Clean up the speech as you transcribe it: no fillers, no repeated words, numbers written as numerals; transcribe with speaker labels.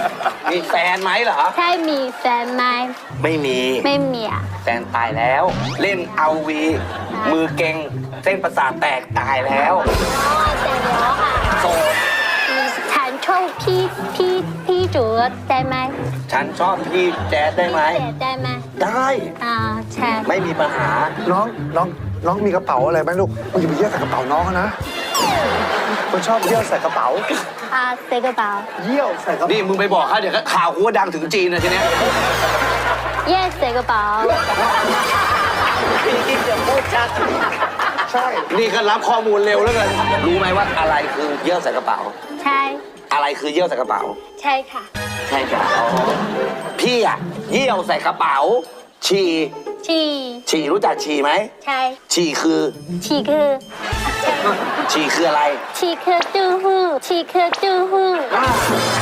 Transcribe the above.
Speaker 1: มีแฟนไหมเหรอ
Speaker 2: ใช่มีแฟนไหม
Speaker 1: ไม่มี
Speaker 2: ไม่มีอ่ะ
Speaker 1: แฟนตายแล้ว เล่นเอาวีมือเก่งเส้นประสาทแตกตายแล้ว
Speaker 2: อ๋อแต่แล้วค่ะ
Speaker 1: โสด
Speaker 2: ฉันชอบพี่จูได้ไหม
Speaker 1: ฉันชอบพี่แจ๊ดได้ไหม
Speaker 2: พี่เจได้ไหม
Speaker 1: ได้
Speaker 2: ใช่
Speaker 1: ไม่มีปัญหา
Speaker 3: น้องมีกระเป๋าอะไรไหมลูกมันอย่าไปเยี่ยวใส่กระเป๋าน้องเขานะคนชอบเยี่ยวใส่กระเป๋า
Speaker 2: เซกระเป๋า
Speaker 3: เยี่ยวใส่กระเป๋า
Speaker 1: นี่มึงไปบอกเขาเดี๋ยวข่าวกูว่าดังถึงจีนนะทีเนี้ย
Speaker 2: เย่เซกระเป๋า
Speaker 1: พี่กิ๊กจะพูดชัด
Speaker 3: ใช่
Speaker 1: นี่ก็รับข้อมูลเร็วแล้วกันรู้ไหมว่าอะไรคือเยี่ยวใส่กระเป๋า
Speaker 2: ใช่
Speaker 1: อะไรคือเยี่ยวใส่กระเป๋า
Speaker 2: ใช่ค่ะ
Speaker 1: ใช่ครับพี่อะเยี่ยวใส่กระเป๋า ฉี่
Speaker 2: ชี
Speaker 1: ฉี่รู้จักฉี่ไหม
Speaker 2: ใช่
Speaker 1: ฉี่คือ
Speaker 2: ชีคือใช่
Speaker 1: ฉี่คืออะไร
Speaker 2: ชีคือตู้หู้ชีคือตู้หู้